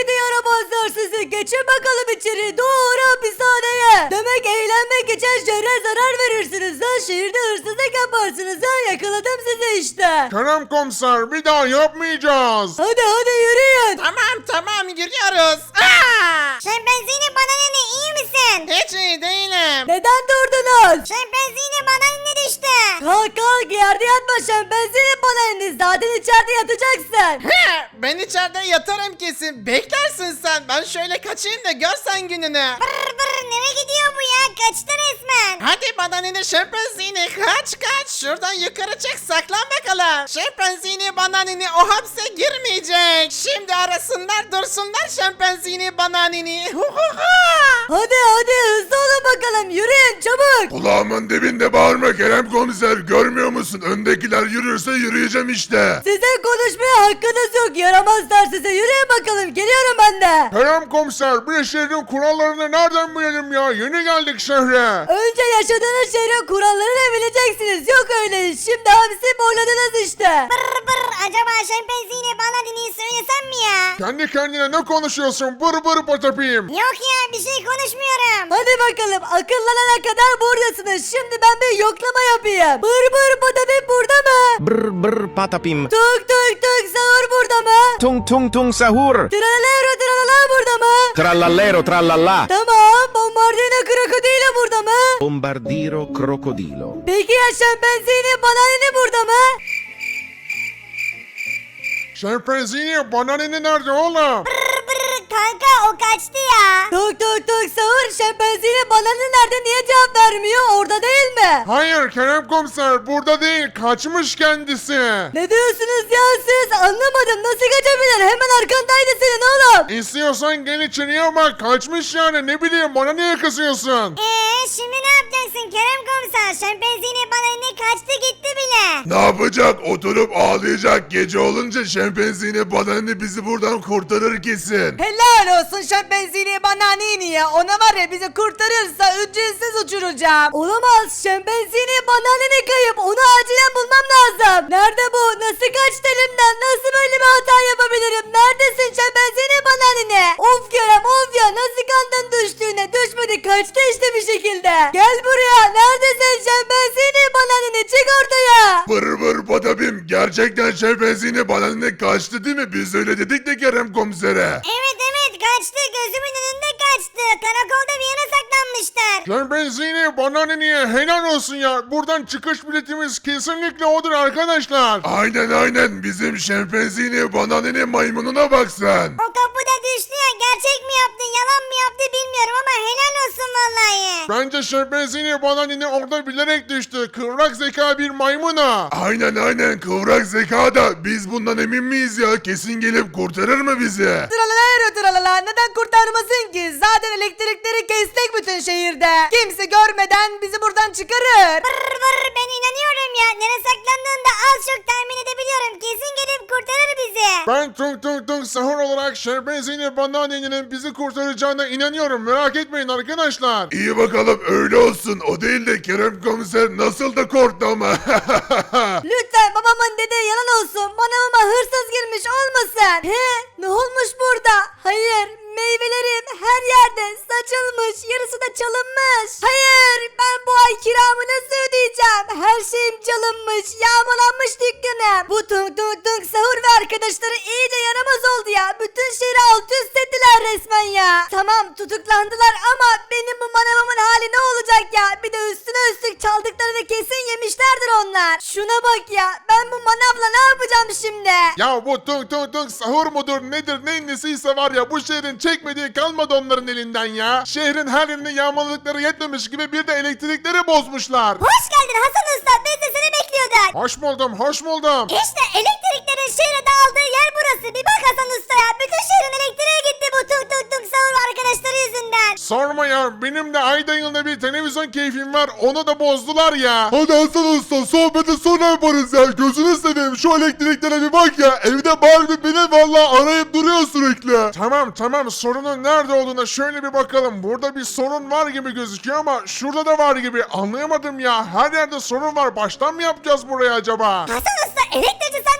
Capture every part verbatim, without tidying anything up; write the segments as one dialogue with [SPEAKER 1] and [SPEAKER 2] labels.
[SPEAKER 1] gidi yaramazlar sizi. Geçin bakalım içeri. Doğru hapishaneye. Demek eğlenmek için şehre zarar verirsiniz ha. Şehirde hırsızlık yaparsınız ha. Yakaladım sizi işte.
[SPEAKER 2] Kerem komiser, bir daha yapmayacağız.
[SPEAKER 1] Hadi hadi yürüyün.
[SPEAKER 3] Tamam tamam yürüyoruz. Aa!
[SPEAKER 4] Şempanzini bananini iyi misin?
[SPEAKER 3] Hiç iyi değilim.
[SPEAKER 1] Neden durdunuz?
[SPEAKER 4] Şempanzini bananini düştü.
[SPEAKER 1] Kalk kalk, yerde yatma şempanzini bana indi. Zaten içeride yatacaksın.
[SPEAKER 3] He, ben içeride yatarım kesin. Beklersin sen. Ben şöyle kaçayım da görsen gününü.
[SPEAKER 4] Brr brr nereye gidiyor bu ya? Kaçtı resmen.
[SPEAKER 3] Hadi bananini şempanzini kaç kaç. Şuradan yukarı çık saklan bakalım. Şempanzini bananini o hapse girmeyecek. Şimdi arasınlar dursunlar şempanzini bananini. Hu hu hu.
[SPEAKER 1] Hadi hadi hızlı olun bakalım. Yürüyün çabuk.
[SPEAKER 2] Kulağımın dibinde bağırma Kerem komiser, görmüyor musun? Öndekiler yürürse yürüyeceğim işte.
[SPEAKER 1] Sizin konuşmaya hakkınız yok. Yaramazlar size. Yürüyün bakalım. Geliyorum ben de.
[SPEAKER 2] Kerem komiser, bir şehrin kurallarını nereden bilelim ya? Yeni geldik şehre.
[SPEAKER 1] Önce yaşadığınız şehrin kurallarını bileceksiniz. Yok öyle iş. Şimdi hapsi boyladınız işte.
[SPEAKER 4] Brr brr acaba şempanzini bananini söylesem mi ya?
[SPEAKER 2] Kendi kendine ne konuşuyorsun? Bır bır patapim.
[SPEAKER 4] Yok ya bir şey konuşmuyorum.
[SPEAKER 1] Hadi bakalım. Akıllanana kadar buradasınız. Şimdi ben bir yoklama yapayım. Bır bır badabim burada mı?
[SPEAKER 5] Brr brr patapim.
[SPEAKER 1] Tuk tuk tuk sahur burada mı?
[SPEAKER 5] Tung tung tung sahur.
[SPEAKER 1] Tralalero tralala burada mı?
[SPEAKER 5] Trallallero trallallà.
[SPEAKER 1] Tamam. Bombardino krokodilo burada mı?
[SPEAKER 5] Bombardiro crocodilo.
[SPEAKER 1] Peki ya şempanzini bananini burada mı?
[SPEAKER 2] Şempanzini bananini nerede oğlum?
[SPEAKER 4] Brr brr kanka o kaçtı ya.
[SPEAKER 1] Tuk tuk tuk sahur şempanzini bananini nerede, niye cevap vermiyor? Orada değil mi?
[SPEAKER 2] Hayır Kerem komiser, burada değil, kaçmış kendisi.
[SPEAKER 1] Ne diyorsunuz ya siz? Anlamadım. Nasıl kaçabilir? Hemen arkandaydı senin oğlum.
[SPEAKER 2] İstiyorsan gel içeriye bak, kaçmış yani, ne bileyim, bana niye kızıyorsun?
[SPEAKER 4] Eee şimdi ne yapacaksın Kerem komiser? Şempanzini bananini kaçtı gitti bile.
[SPEAKER 2] Ne yapacak? Oturup ağlayacak. Gece olunca şempanzini bananini bizi buradan kurtarır kesin.
[SPEAKER 1] Helal olsun şempanzini bananini ya. Ona var ya, bizi kurtarırsa ücretsiz uçuracağım. Olamaz. Şempanzini bananini kayıp. Onu acilen bulmam lazım. Nerede bu? Nasıl kaçtı elimden? Nasıl böyle bir hata yapabilirim? Neredesin şempanzini bananini? Of Kerem of ya. Nasıl kandın düştüğüne? Düşmedi. Kaçtı işte bir şekilde. Gel buraya. Neredesin şempanzini bananini? Çık ortaya.
[SPEAKER 2] Vır vır badabim, gerçekten şempanzini bananini kaçtı değil mi? Biz öyle dedik de Kerem komisere.
[SPEAKER 4] Evet evet kaçtı gözümün önünde kaçtı. Karakolda bir yere saklanmıştır.
[SPEAKER 2] Şempanzini bananiniye helal olsun ya. Buradan çıkış biletimiz kesinlikle odur arkadaşlar. Aynen aynen, bizim şempanzini bananini maymununa bak sen.
[SPEAKER 4] O kapıda düştü ya gerçek mi yaptı yalan mı yaptı bilmiyorum ama helal olsun vallahi.
[SPEAKER 2] Bence şempanzini bananini orada bilerek düştü. Kıvrak zeka bir maymuna. Aynen aynen, kıvrak zeka da, biz bundan emin miyiz ya? Kesin gelip kurtarır mı bizi?
[SPEAKER 1] Tralalero tralala, neden kurtarmasın ki? Zaten elektrikleri kestik bütün şehirde. Kimse görmeden bizi buradan çıkarır.
[SPEAKER 4] Vır vır ben inanıyorum ya. Nereye saklandığını da az çok tahmin edebiliyorum. Kesin gelip kurtarır bizi.
[SPEAKER 2] Ben tung tung tung sahur olarak şempanzini bananinin bizi kurtaracağına inanıyorum. Merak etmeyin arkadaşlar. İyi bakalım, öyle olsun. O değil de Kerem komiser nasıl da korktu ama.
[SPEAKER 1] Lütfen babamın dediği yalan olsun. Manavıma hırsız girmiş olmasın. He? Ne olmuş burada? Hayır. Meyvelerim her yerde saçılmış. Yarısı da çalınmış. Hayır. Ben bu ay kiramı nasıl ödeyeceğim? Her şeyim çalınmış. Yağmalanmış dükkanım. Bu tung tung tung sahur ve arkadaşları iyice yaramaz oldu ya. Bütün şehri alt üst ettiler resmen ya. Tamam tutuklandılar ama benim bu manavımın hali ne olacak ya? Bir de üstüne üstlük çaldıklarını kesin yemişlerdir onlar. Şuna bak ya. Ben bu manavla ne yapacağım şimdi?
[SPEAKER 2] Ya bu tung tung tung sahur mudur nedir neyin nesiyse var ya, bu şehrin çekmediği kalmadı onların elinden ya. Şehrin her yerini yağmaladıkları yetmemiş gibi bir de elektrikleri bozmuşlar.
[SPEAKER 4] Hoş geldin Hasan Usta. Biz de seni bekliyorduk.
[SPEAKER 2] Hoş buldum, hoş buldum.
[SPEAKER 4] İşte elektriklerin şehre dağıldığı yer burası. Bir bak Hasan Usta ya. Bütün şehrin elektriği gitti bu tuk tuk tuk sahur arkadaşları yüzünden.
[SPEAKER 2] Sorma ya, benim de ayda yılda bir televizyon keyfim var, onu da bozdular ya. Hadi Hasan Usta, sohbeti sonra yaparız ya. Gözünü seveyim, şu elektriklere bir bak ya. Evde Barbie beni vallahi arayıp duruyor sürekli. Tamam tamam, sorunun nerede olduğuna şöyle bir bakalım. Burada bir sorun var gibi gözüküyor ama şurada da var gibi. Anlayamadım ya, her yerde sorun var. Baştan mı yapacağız burayı acaba?
[SPEAKER 4] Hasan Usta elektrikçi sen değil misin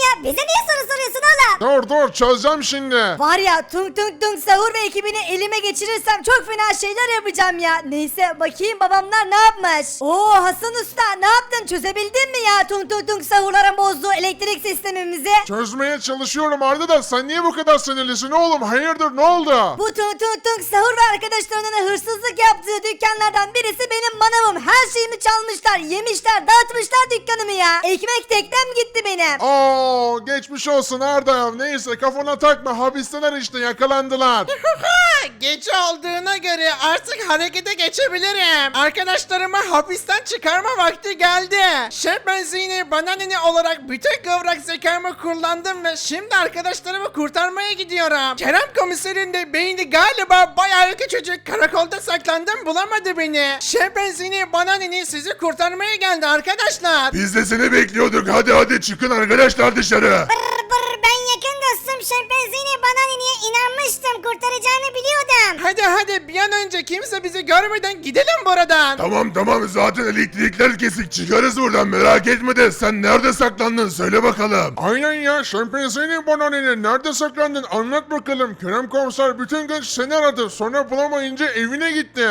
[SPEAKER 4] ya? Bize niye soru soruyorsun oğlum?
[SPEAKER 2] Dur dur çözeceğim şimdi.
[SPEAKER 1] Var ya Tung Tung Tung Sahur ve ekibini elime geçirirsem çok fena şeyler yapacağım ya. Neyse bakayım babamlar ne yapmış. Oo Hasan Usta ne yaptın çözebildin mi ya Tung Tung Tung Sahurların bozduğu elektrik sistemimizi?
[SPEAKER 2] Çözmeye çalışıyorum Arda da sen niye bu kadar sinirlisin oğlum? Hayırdır ne oldu?
[SPEAKER 1] Bu Tung Tung Tung Sahur ve arkadaşlarının hırsızlık yaptığı dükkanlardan birisi benim manavım. Her şeyimi çalmışlar, yemişler, dağıtmışlar dükkanımı ya. Ekmek teknem gitti benim.
[SPEAKER 2] Oo geçmiş olsun Arda. Neyse kafana takma hapisteler işte yakalandılar.
[SPEAKER 3] Gece olduğuna göre artık harekete geçebilirim. Arkadaşlarımı hapisten çıkarma vakti geldi. Şempanzini bananini olarak bütün kıvrak zekamı kullandım ve şimdi arkadaşlarımı kurtarmaya gidiyorum. Kerem komiserin de beyni galiba bayağı küçücük, karakolda saklandım bulamadı beni. Şempanzini bananini sizi kurtarmaya geldi arkadaşlar.
[SPEAKER 2] Biz de seni bekliyorduk. Hadi hadi çıkın arkadaşlar dışarı.
[SPEAKER 4] Brr brr, ben yakın dostum şempanzini bananiniye inanmıştım. Kurtaracağını biliyordum.
[SPEAKER 3] Hadi hadi bir an önce kimse bizi görmeden gidelim buradan.
[SPEAKER 2] Tamam tamam zaten elektrikler kesik çıkarız buradan merak etme de sen nerede saklandın söyle bakalım. Aynen ya şempanzini bananini nerede saklandın anlat bakalım. Kerem komiser bütün gün seni aradı sonra bulamayınca evine gitti.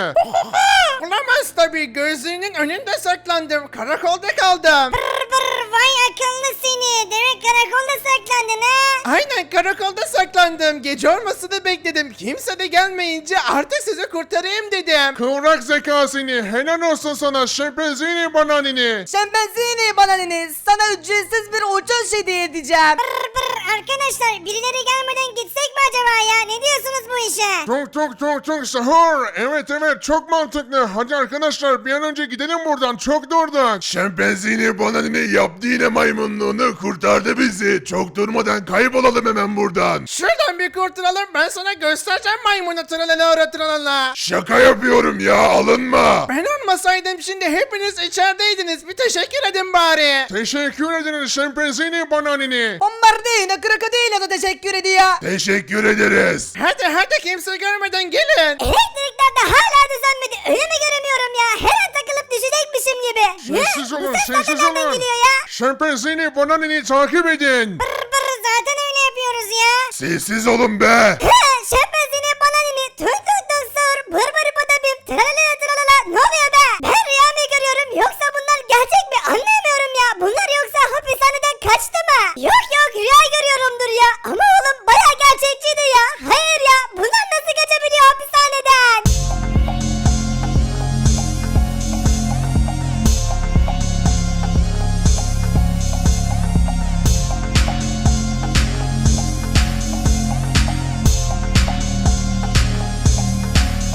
[SPEAKER 3] Bulamaz tabii, gözlüğünün önünde saklandım, karakolda kaldım.
[SPEAKER 4] Brr brr, vay akıllı seni. Demek karakolda saklandın ha?
[SPEAKER 3] Aynen karakolda saklandım, gece olmasını bekledim, kimse de gelmeyince artık sizi kurtarayım dedim.
[SPEAKER 2] Kıvrak zeka seni helal olsun sana şempanzini bananini.
[SPEAKER 1] Şempanzini bananiniz sana ücretsiz bir uçuş hediye edeceğim.
[SPEAKER 4] Brr brr, arkadaşlar birileri gelmeden gitsek mi acaba ya? Ne diyorsunuz bu işe?
[SPEAKER 2] Tuk tuk tuk tuk sahur. Evet evet çok mantıklı. Hadi arkadaşlar bir an önce gidelim buradan. Çok durduk. Şempanzini bananini yaptı yine maymunluğunu kurtardı bizi. Çok durmadan kaybolalım hemen buradan.
[SPEAKER 3] Şuradan bir kurtulalım, ben sana göstereceğim maymunu tralala tralala.
[SPEAKER 2] Şaka yapıyorum ya alınma.
[SPEAKER 3] Ben olmasaydım şimdi hepiniz içerideydiniz, bir teşekkür edin bari.
[SPEAKER 2] Teşekkür ederiz şempanzini bananini.
[SPEAKER 1] Bombardino krokodilo da teşekkür ediyor.
[SPEAKER 2] Teşekkür ederiz.
[SPEAKER 3] Hadi hadi kimse görmeden gelin.
[SPEAKER 4] Elektrikler de hala düzenmedi. Öyle mi göremiyorum ya? Her an takılıp düşecekmişim gibi.
[SPEAKER 2] Sessiz
[SPEAKER 4] Hı?
[SPEAKER 2] olun
[SPEAKER 4] Bu sesler de
[SPEAKER 2] sessiz
[SPEAKER 4] nereden
[SPEAKER 2] olun.
[SPEAKER 4] geliyor ya?
[SPEAKER 2] Şempanzini bananini takip edin.
[SPEAKER 4] Brr brr, zaten öyle yapıyoruz ya.
[SPEAKER 2] Sessiz olun be.
[SPEAKER 4] Hı, şempanzini bananini tüm tüm tüm sor. Bır bır badabim tralala